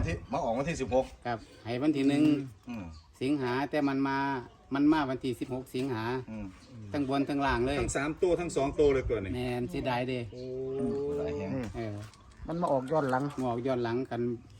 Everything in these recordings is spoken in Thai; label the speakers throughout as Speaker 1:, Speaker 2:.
Speaker 1: วันที่16
Speaker 2: ครับให้วันที่1สิงหาแต่มันมาวันที่16สิงหาทั้งบนทั้งล่างเลย
Speaker 3: ทั้ง3ตัวทั้ง2ตัวเลยเกินนี่
Speaker 2: แม่นสิได้เด้
Speaker 1: หลายแฮง
Speaker 4: มันมาออกย้อนหลัง
Speaker 2: ย้อนหลังกัน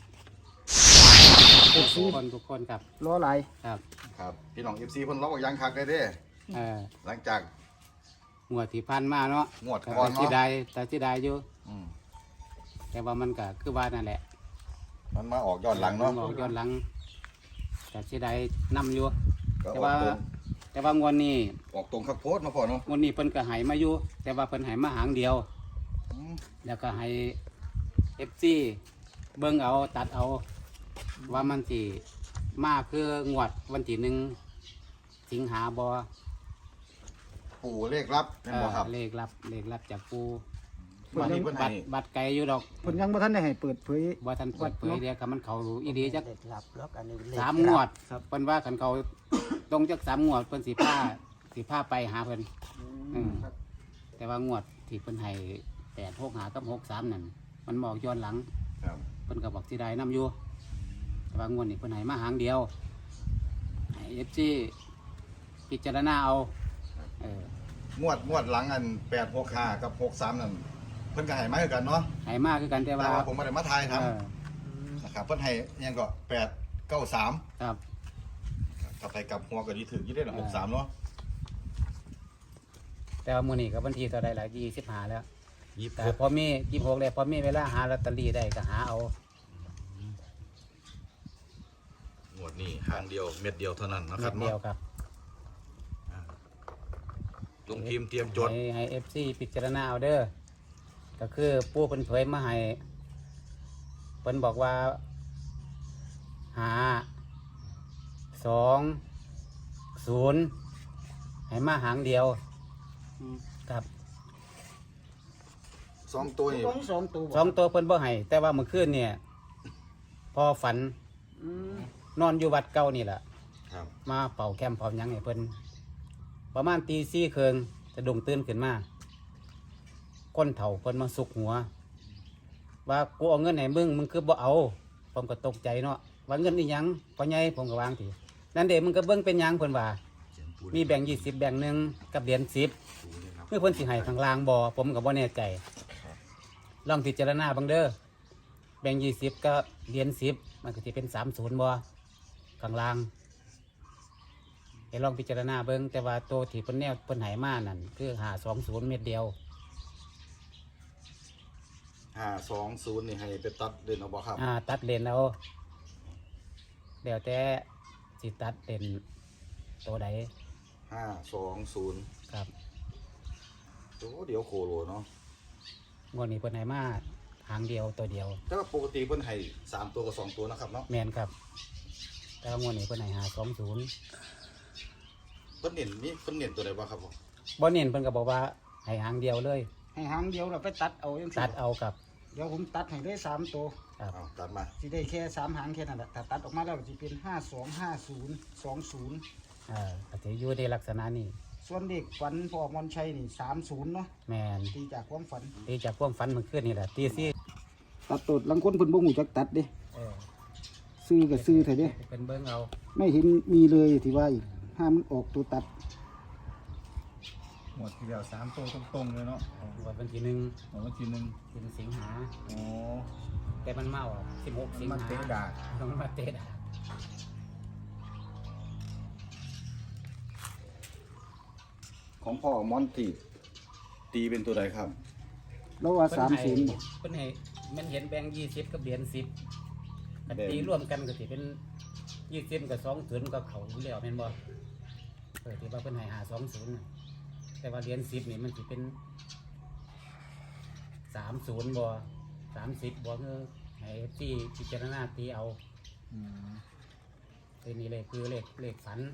Speaker 2: ทุกคนครับ
Speaker 4: ล้อไหล
Speaker 1: ครับพี่น้อง FC เพิ่นล็อกยังคักได้เด้หลังจาก
Speaker 2: งวดที่ผ่านมาเนาะ
Speaker 1: งวดก่อนเนาะ
Speaker 2: แต่สิได้อยู่แต่ว่ามันก็คือว่านั่นแหละ
Speaker 1: มันมาออกย้อนหลังเนาะ
Speaker 2: ออกย้อนหลังแต่สิได้นำอยู่แต่ว่างวดนี้
Speaker 1: ออกตรงคักโพดมาพอเนาะ
Speaker 2: งวดนี้เพิ่นก็ให้มาอยู่แต่ว่าเพิ่นให้มาหางเดียวแล้วก็ให้ FC เบิ่งเอาตัดเอาว่ามันสิมาคืองวดวันที่1สิงหาบ่
Speaker 1: ปู่เลขลับแม่นบ่ครับ
Speaker 2: เลขลับจากปู่บัตรไกลอยู่ดอก
Speaker 4: เพิ่นยังบ่ทันได้ให้เปิดเผย
Speaker 2: บ่ทันเปิดเผยเดี๋ยวคันมันเข้าอีหลีจัก3 งวดเพิ่นว่าคันเขาตรงจัก3 งวดเพิ่นสิพาไปหาเพิ่นแต่ว่างวดที่เพิ่นให้865กับ63นั่นมันบอกย้อนหลังเพิ่นก็บอกสิได้นำอยู่แต่ว่างวดนี้เพิ่นให้มาหางเดียวให้ FC พิจารณาเอา
Speaker 1: งวดหลังอัน865กับ63นั่นเพิ่นก็ให้มาคือกันเนาะ
Speaker 2: ให้มาคือกันแต่ว่า
Speaker 1: ผมบ่ได้มาทายทำนะครับเพิ่นให้ยังก็893
Speaker 2: ครับ
Speaker 1: ถ้าไปกับหัวก็สิถึกอยู่ได้ล่ะ63เนาะ
Speaker 2: แต่ว่ามื้อนี้ก็วันที่เท่าใดล่ะ25แล้วแต่พอมี26แล้วพอมีเวลาหาลอตเตอรี่ได้ก็หาเอา
Speaker 1: งวดนี้หางเดียวเม็ดเดียวเท่านั้นนะครับ
Speaker 2: เม็ดเดียวครับ
Speaker 1: ลงทีมเตรียมจด
Speaker 2: ให้ FC พิจารณาเอาเด้อก็คือปู่เพิ่นเผยมาให้เพิ่นบอกว่า520ให้มาหางเดียวครับ
Speaker 1: 2 ตัวนี่
Speaker 2: 2 ตัวเพิ่นบ่ให้แต่ว่าเมื่อคืนเนี่ยพอฝันนอนอยู่วัดเก่านี่แหละมาเป่าแคมเป่าหยังให้เพิ่นประมาณตี4 ครึ่งจะดุ่งตื่นขึ้นมาก้นเถ่าเพิ่นมาสุกหัวว่ากูเอาเงินให้มึงคือบ่เอาผมก็ตกใจเนาะว่าเงินอีหยังพ่อใหญ่ผมก็วางทีนั่นเด้มึงก็เบิ่งเป็นหยังเพิ่นว่ามีแบ่ง20แบ่งหนึ่งกับเหรียญ10เมื่อเพิ่นสิให้ข้างล่างบ่ผมก็บ่แน่ใจลองพิจารณาเบิ่งเด้อแบ่ง20กับเหรียญ10มันก็สิเป็น30บ่ข้างล่างให้ลองพิจารณาเบิ่งแต่ว่าตัวที่เพิ่นแนวเพิ่นให้มานั่นคือ520เม็ดเดียว
Speaker 1: 520นี่ให้ไปตัดเด่นเอาบ่ครับ
Speaker 2: ตัดเลนเอาเดี๋ยวแต่สิตัดเลนตัวใด
Speaker 1: 520
Speaker 2: ครับ
Speaker 1: โอ้เดี๋ยวโคโลเนาะ
Speaker 2: งวดนี้เพิ่นให้มาหางเดียวตัวเดียว
Speaker 1: แต่ว่าปกติเพิ่นให้3 ตัวกับ2 ตัวนะครับเนาะ
Speaker 2: แม่นครับแต่ว่างวดนี้เพิ่นให้520
Speaker 1: เพิ่นเน้นตัวใดบ่ครับผม
Speaker 2: บ่เน้นเพิ่นก็บอกว่าให้หางเดียวเลย
Speaker 4: ให้หางเดียวเราไปตัดเอาจังซี่
Speaker 2: ตัดเอากับ
Speaker 4: เดี๋ยวผมตัดให้ได้3 ตัว
Speaker 1: ครับตัดมา
Speaker 4: สิได้แค่3 หางแค่นั้นแหละถ้าตัดออกมาแล้วสิเป็น525020
Speaker 2: ก็สิอยู่ในลักษณะนี้
Speaker 4: ส่วนเด็กฝันพ่อมนชัยนี่30เนาะ
Speaker 2: แม่น
Speaker 4: ตีจากความฝัน
Speaker 2: เมื่อคืนนี่แหละตีซี่
Speaker 4: ตัดตดลังคนเพิ่นบ่ฮู้จักตัดเด้ซื้อก็ซื้อเถอะเด้
Speaker 2: เป็นเบิ่งเอา
Speaker 4: ไม่เห็นมีเลยที่ว่าอีกห้ามมันออกตัวตัด
Speaker 3: หมดทีเดียว3 ตัวตรงๆเลยเนาะ
Speaker 2: วันที่1เป็นสิงหาแต่มันเมา16สิงหา
Speaker 3: มันเตะดา
Speaker 2: มันมาเตะดา
Speaker 1: ของพ่อมอนตีเป็นตัวใดครับ
Speaker 4: แล้วว่า30
Speaker 2: เพิ่นให้มันเห็นแบงค์20กับเหรียญ10กันตีรวมกันก็สิเป็น20กับ20กับเขาแล้วแม่นบ่ที่ว่าเพิ่นให้520แต่ว่าเหรียญ10นี่มันสิเป็น30บ่30บ่คือให้ที่พิจารณาตีเอาตัวนี้เลยคือเลขฝัน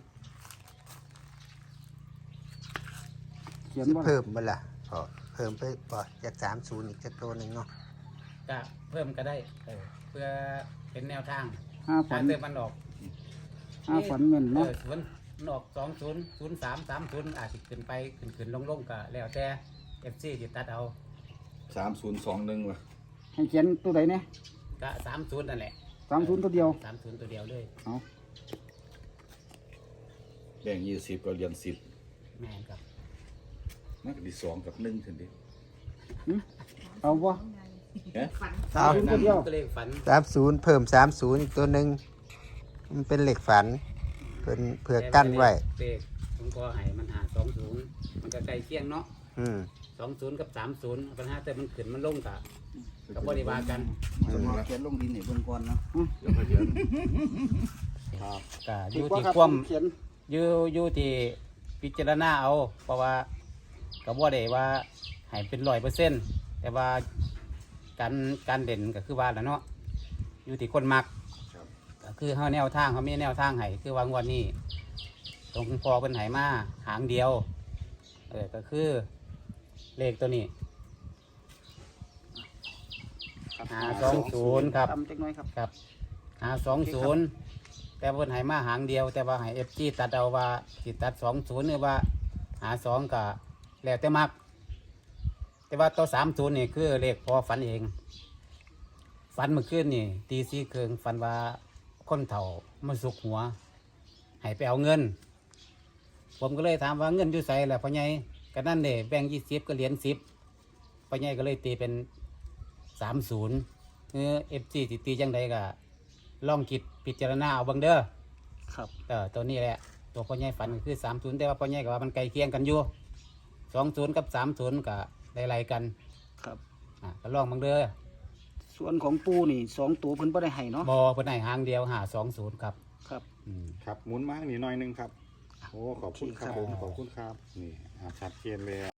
Speaker 4: เขียนบ่
Speaker 5: เพิ่มบ่ล่ะเพิ่มไปบ่จาก30อีกจักตัวนึงเนาะ
Speaker 2: ก็เพิ่มก็ได้เพื่อเป็นแนวทาง
Speaker 4: ฝัน
Speaker 2: เติมมันออก
Speaker 4: ฝันแม่นเนาะ
Speaker 2: มันออก200330อาจสิขึ้นไปขึ้นลงก็แล้วแต่ FC สิตัดเอา
Speaker 1: 3021ว่ะ
Speaker 4: ให้เขียนตัวใดเนี่ย
Speaker 2: ก็30นั่นแหละ
Speaker 4: 30ตัวเดียว
Speaker 2: 30ตัวเดียวเลย
Speaker 4: เอา
Speaker 1: แบ่ง20ก็เหรียญ10
Speaker 2: แม่นครับ
Speaker 1: มันก็สิ2กับ1ซั่นเด้
Speaker 4: เอาบ่
Speaker 5: เอา
Speaker 4: 30ตัวเดียว
Speaker 2: ก็เลขฝัน
Speaker 5: 30เพิ่ม30อีกตัวหนึงมันเป็นเหล็กฝันเพิ่นเพื่อกั้นไว้
Speaker 2: เลขหลวงพ่อให้มันหา20มันก็ใกล้เคียงเนาะ
Speaker 5: อืม
Speaker 2: 20กับ30ปัญหาแต่มันขึ้นมันลงกะก็บ่ได้ว่ากัน
Speaker 4: เขียนลงดินให้เบิ่งก่อนเนาะ
Speaker 1: เดี๋ยวค่อยเขียน
Speaker 2: ก็อยู่
Speaker 4: ว่า
Speaker 2: ที่
Speaker 4: ครับ
Speaker 2: ความ
Speaker 4: เขียน
Speaker 2: อยู่ที่พิจารณาเอา เพราะว่าก็บ่ได้ว่าให้เป็น100%แต่ว่าการเด่นก็คือว่าแหละเนาะอยู่ที่คนมัก
Speaker 1: ครับ
Speaker 2: ก็คือเฮาแนวทางเขามีแนวทางให้คือว่างวดนี้ตรงพอเพิ่นให้มาหางเดียวก็คือเลขตัวนี้ 520ครับ
Speaker 4: ตำจักหน่อยครับ
Speaker 2: ครับ520แต่เพิ่นให้มาหางเดียว แต่ว่าให้ FG ตัดเอาว่าสิตัด20หรือว่า52ก็แล้วแต่มัก แต่ว่าตัว30นี่คือเลขพอฝันเอง ฝันเมื่อคืนนี่ตีสี่ครึ่งฝันว่าคนเฒ่ามาสุกหัวให้ไปเอาเงิน ผมก็เลยถามว่าเงินอยู่ไสล่ะพ่อใหญ่ก็นั่นเด้แบ่ง20ก็เหรียญ10พ่อใหญ่ก็เลยตีเป็น30FG สิตีจังใดก็ลองคิดพิจารณาเอาเบิ่งเด้อ
Speaker 4: ครับ
Speaker 2: ตัวนี้แหละตัวพ่อใหญ่ฝันก็คือ30แต่ว่าพ่อใหญ่ก็ว่ามันใกล้เคียงกันอยู่20กับ30ก็ไล่ๆกัน
Speaker 4: ครับ
Speaker 2: ก็ลองเบิ่งเด้อ
Speaker 4: ส่วนของปูนี่2ตัวเพิ่นบ่ได้ให้เนาะ
Speaker 2: บ่เพิ่นให้หางเดียว520ครับ
Speaker 4: ครับ
Speaker 3: ครับหมุนมาทางนี้หน่อยหนึงครับโอ้ขอบคุณครับผมขอบคุณครับนี่ชัดเจนเลย